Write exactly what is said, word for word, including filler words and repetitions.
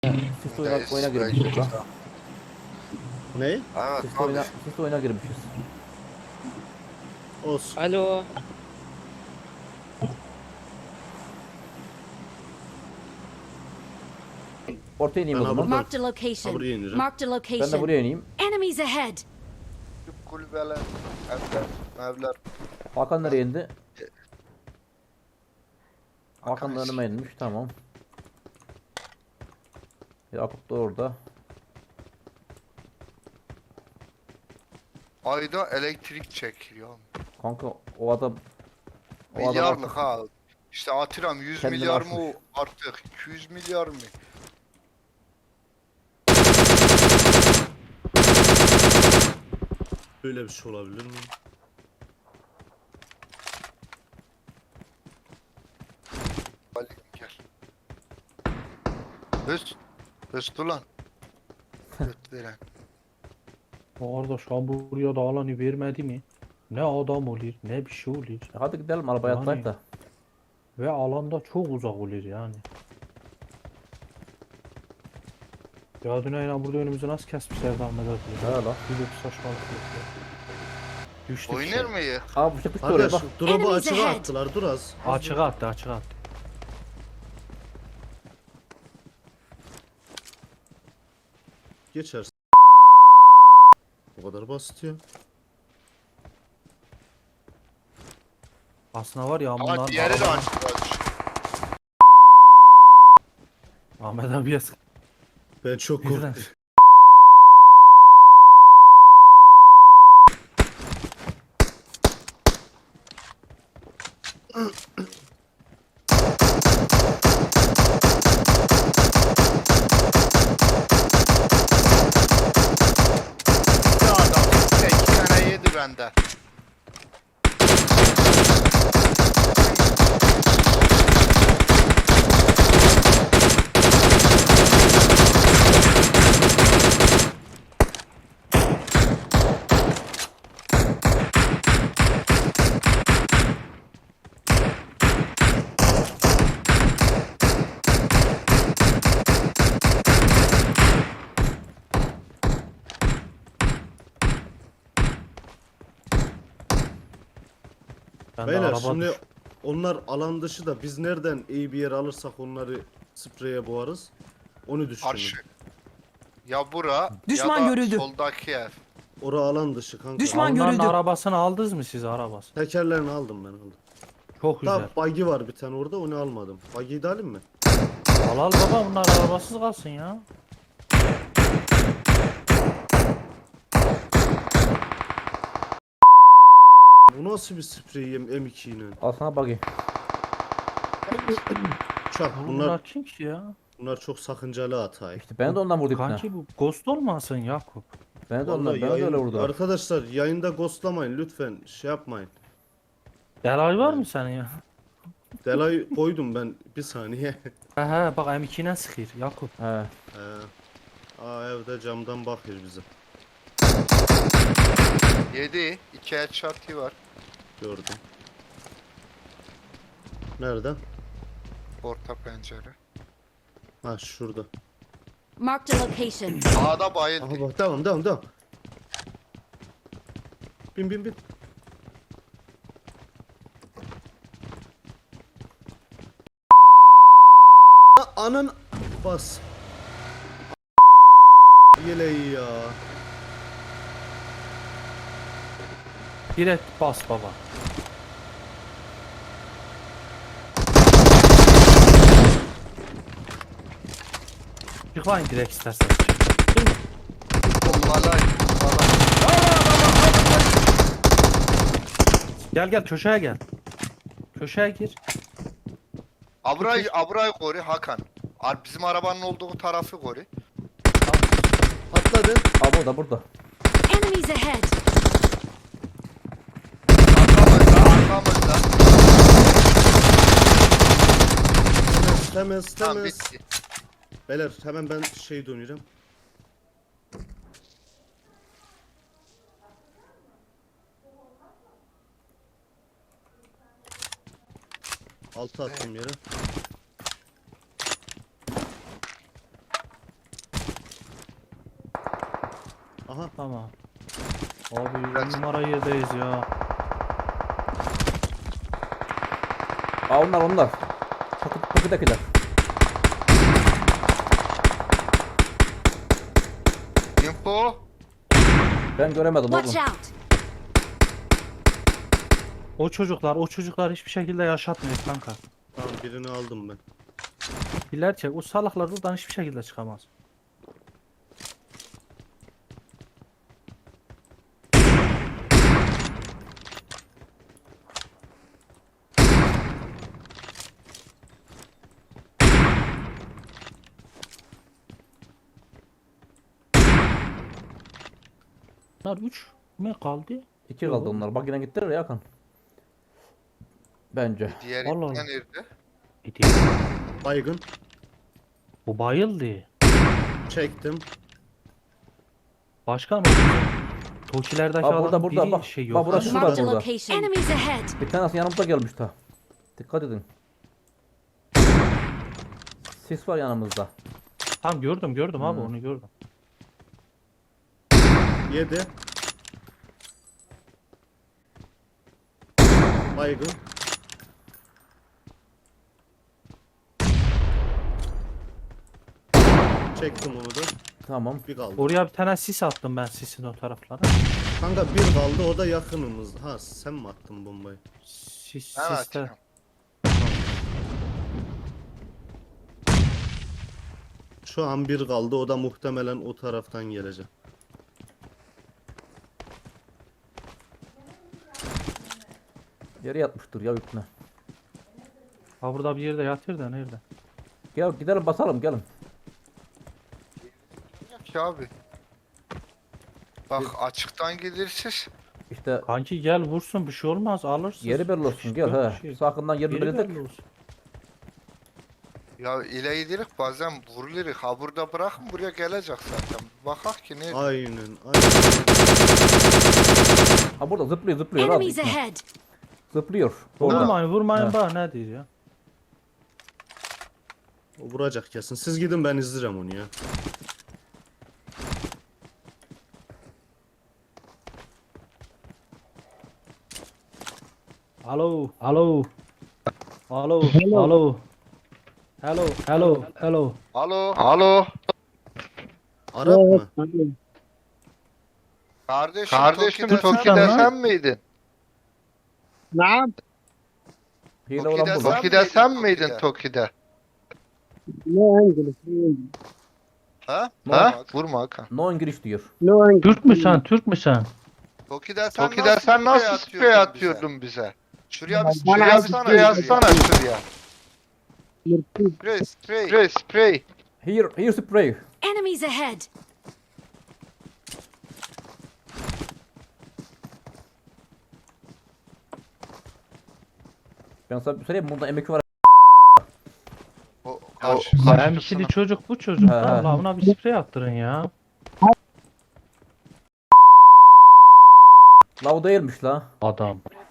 Sis oyuna, Neyse, oyuna belki girmişiz lan. de. Ne? Evet Sis abi. oyuna, sis oyuna girmişiz. Olsun. Alo. Ortaya ineyim Ben o zaman. buradan- Marked a Ha, location. buraya ineceğim. Marked a Ben de location. buraya ineyim. Enemies ahead. Küçük kulübeler, evler, evler. Hakan nereye indi? Hakan Hakan da eski. önüme inmiş, tamam. Yakup da orada. Ayda elektrik çekiyor. Kanka o adam o adam Milyarlık artık ha. İşte atıram yüz kendini milyar aşmış. mı o artık? iki yüz milyar mı? Böyle bir şey olabilir mi? Ali gel. Höst. Höst ulan. Höst veren. Kardeş ha buraya da alanı vermedi mi? Ne adam olur ne bir şey olur. E hadi gidelim arabaya Yani- atlayıp da. Ve alanda çok uzak olur yani. Ya Düneyna burada önümüzü nasıl kesmişler de Ahmet abi? He lan. Bir de saçmalık yok ya. Düştük. Oynar şey. mıyız? Aa bu çıktık da oraya Arkadaş bak. drop'u Enemies açığa ahead. attılar, dur az. Açığa attı açığa attı. Geçersin. O kadar basit ya. Aslında var ya Ama bunlar diğeri de arabanın- açık. Ahmet abiye sık. Ben çok Birden. korktum. Bir adam. Bir de iki tane yedi bende. Ben de Beyler araba şimdi düş- onlar alan dışı da biz nereden iyi bir yer alırsak onları spreye boğarız. Onu düşünün. Karşı. Ya bura Düşman ya da görüldü. soldaki ev. Ora alan dışı kanka. Düşman Onların görüldü. arabasını aldınız mı siz arabası? Tekerlerini aldım ben aldım. Çok güzel. Daha buggy var bir tane orada, onu almadım. Buggy'yi de alayım mı? Al al baba bunlar arabasız kalsın ya. Bu nasıl bir sprey M iki ile? Al sana buggy. Çak Oğlum bunlar bunlar kim ki ya? bunlar çok sakıncalı hata. İşte ben de ondan vurdum ipne. Kanki bu ghost olmasın Yakup. Ben de ondan, Vallahi ben de öyle yayın- vurdum. Arkadaşlar yayında ghostlamayın lütfen, şey yapmayın. Delay var mı senin ya? Delay koydum ben bir saniye. He he bak M iki ile sıkır Yakup. He. Ee, aa evde camdan bakıyor bize. Yedi. İki headshot'ı var. Gördüm. Nerede? Orta pencere. Ha şurada. Marked a location. Sağda bayıldı. Aha bak, tamam tamam tamam. Bin bin bin. A- Anın bas. Yeleği ya. Direkt bas baba. Çıkmayın direkt istersen. Bombalay. Gel gel köşeye gel. Köşeye gir. Abray, Abray koru Hakan. Ar- Bizim arabanın olduğu tarafı koru. Atladı. Aa burada burada. Enemies ahead. Arkamızda, arkamızda. Temiz temiz Tamam temiz. bitti. Beyler hemen ben şey dönüyorum. Altı attım yere. Aha. Tamam. Abi Kaç? numara yerdeyiz ya. Aa onlar onlar. Takı, takıdakiler. Info. Ben göremedim Watch oğlum. out! O çocuklar, o çocuklar hiçbir şekilde yaşatmıyor kanka. Tamam birini aldım ben. Biler çek. O salaklar buradan hiçbir şekilde çıkamaz. Bunlar üç mü kaldı? İki kaldı Yok. onlar. Bak yine gittiler ya Hakan. Bence. Diğer Allah Allah. ipten nerede? Gidiyor. Baygın. Bu bayıldı. Çektim. Başka mı? Tokilerdeki Aa, burada, adam burada, biri bak. şey Bak, yok. burası Ha? şu var Marked a burada. location. Enemies ahead! Bir tanesi yanımıza gelmiş ta. Dikkat edin. Sis var yanımızda. Tamam gördüm gördüm abi Hmm. onu gördüm. Yedi. Baygın. Çektim onu da. Tamam. Bir kaldı. Oraya bir tane sis attım ben sisin o taraflara. Kanka bir kaldı o da yakınımız. Ha sen mi attın bombayı? Sis Ben siste. açıyorum. Şu an bir kaldı o da muhtemelen o taraftan gelecek. Yere yatmıştır ya üstüne. Ha burada bir yerde yatıyor da nerede? Gel gidelim basalım gelin. Yok ki abi. Bak açıktan gelirsiz. İşte Kanki gel vursun bir şey olmaz alırsın. yeri belli olsun gel Yok he. bir şey. Sakından yerini Yeri belirledik. belli olsun. Ya ile gidirik bazen vuruluruz. Ha burada bırakın buraya gelecek zaten. Bakak ki ne? Aynen aynen. Ha burada zıplıyor zıplıyor. Rahat Enemies gitme. ahead! Zıplıyor. Orada. Vurmayın vurmayın Ha. bak ne diyor ya. O vuracak kesin. Siz gidin ben izlerim onu ya. Alo alo. Alo alo. Hello hello hello. Alo. Alo. Arap mı? Kardeşim, Kardeşim Toki'de, Toki'de sen, sen miydin? نعم Hile Toki'de olan burada. sen- Toki'de sen Toki'de? miydin Toki'de? نو انجلش Ha? Ha? Bak, Vurma Hakan. No İngiliz diyor. نو انجلش Türk mü sen Türk mü sen? Toki'de sen Toki'de sen nasıl sprey bize? atıyordun bize? Şuraya bir Bana sprey Şuraya bir atsana. sprey atsana şuraya. Sprey, sprey. Sprey sprey. Here, here spray. Enemies ahead! Ben sana bir söyleyeyim bunda emek var. O, O karşı. Hemşire çocuk bu çocuk. He, he. Allah ona bir sprey attırın ya. Lav değilmiş la. Adam.